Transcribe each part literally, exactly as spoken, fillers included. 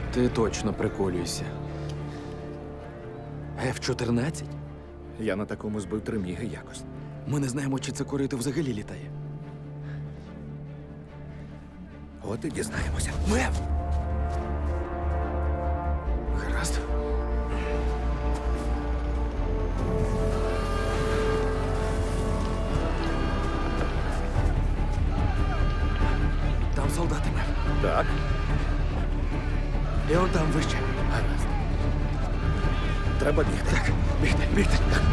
Ти точно приколюєшся. еф чотирнадцять? Я на такому збив три міги якось. Ми не знаємо, чи це корито взагалі літає. От і дізнаємося. Мев! Гаразд. Там солдати, Мев. Так, І он там вище. гаразд. Треба бігти. Так, бігти, бігти.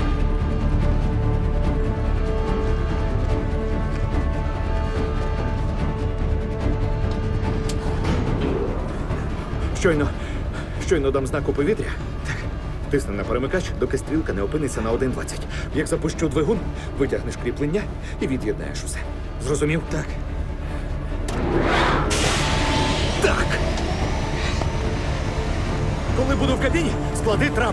Щойно, щойно дам знак у повітря. Так. Тисни на перемикач, доки стрілка не опиниться на один двадцять. Як запущу двигун, витягнеш кріплення і від'єднаєш усе. Зрозумів? Так. Так. Коли буду в кабіні, склади трап.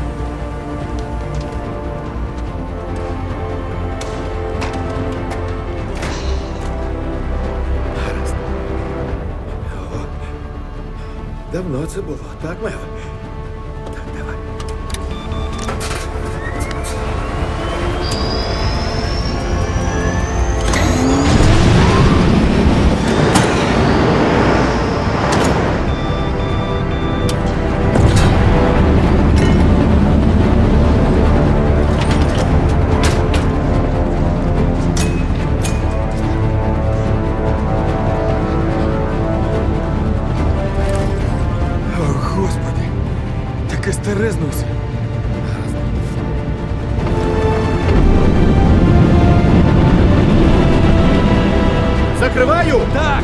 Гаразд. О, давно це було, так, Мев? Так, давай. О, Господи! Таке стерезнувся. Закриваю! Так!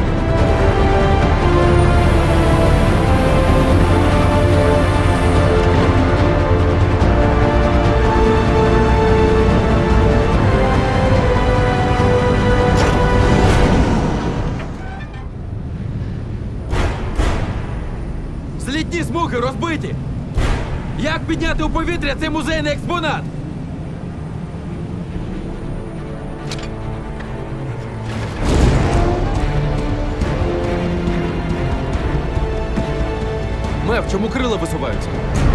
Злітні смуги розбиті! Як підняти у повітря цей музейний експонат? Мев, чому крила висуваються?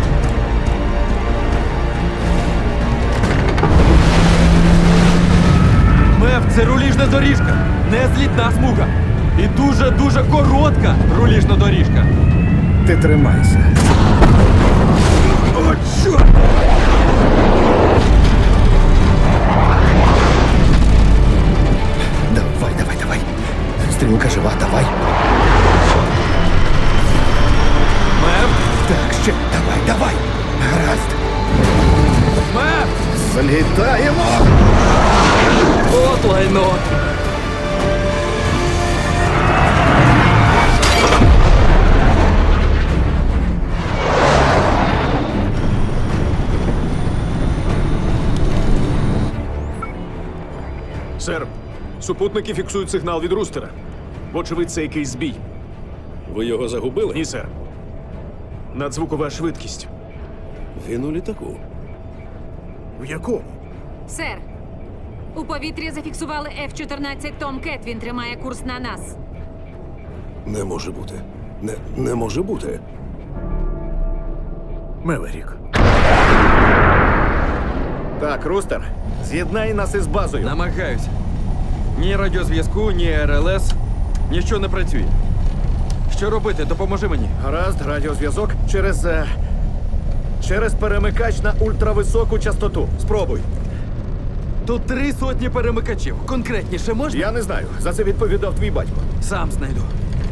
Мев, це руліжна доріжка, не злітна смуга. І дуже-дуже коротка руліжна доріжка. Ти тримайся. О, чорт! Давай, давай, давай. Стрілка жива, давай. Мев! Так, ще. Давай, давай. Гаразд. Мев! Злітаємо! От лайно! Сер, супутники фіксують сигнал від рустера. Вочевидь, це якийсь збій. Ви його загубили? Ні, сер. Надзвукова швидкість. Він у літаку. В якому? Сер, у повітрі зафіксували еф чотирнадцять Том Кет. Він тримає курс на нас. Не може бути. Не, не може бути. Меверік. Так, Рустер, з'єднай нас із базою. Намагаюся. Ні радіозв'язку, ні ер ел ес. Нічого не працює. Що робити? Допоможи мені. Гаразд, радіозв'язок через. е, через перемикач на ультрависоку частоту. Спробуй. Тут три сотні перемикачів. Конкретніше можна? Я не знаю. За це відповідав твій батько. Сам знайду.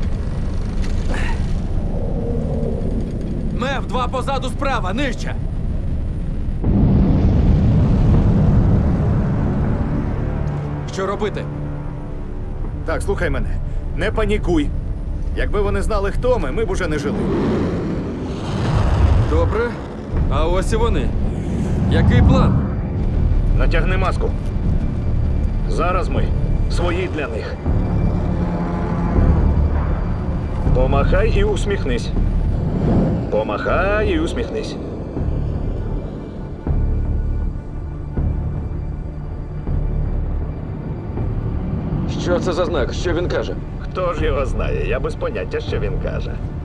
Мев, два позаду справа, нижче. Що робити? Так, слухай мене. Не панікуй. Якби вони знали, хто ми, ми б уже не жили. Добре. А ось і вони. Який план? Натягни маску. Зараз ми свої для них. Помахай і усміхнись. Помахай і усміхнись. Що це за знак? Що він каже? Хто ж його знає? Я без поняття, що він каже.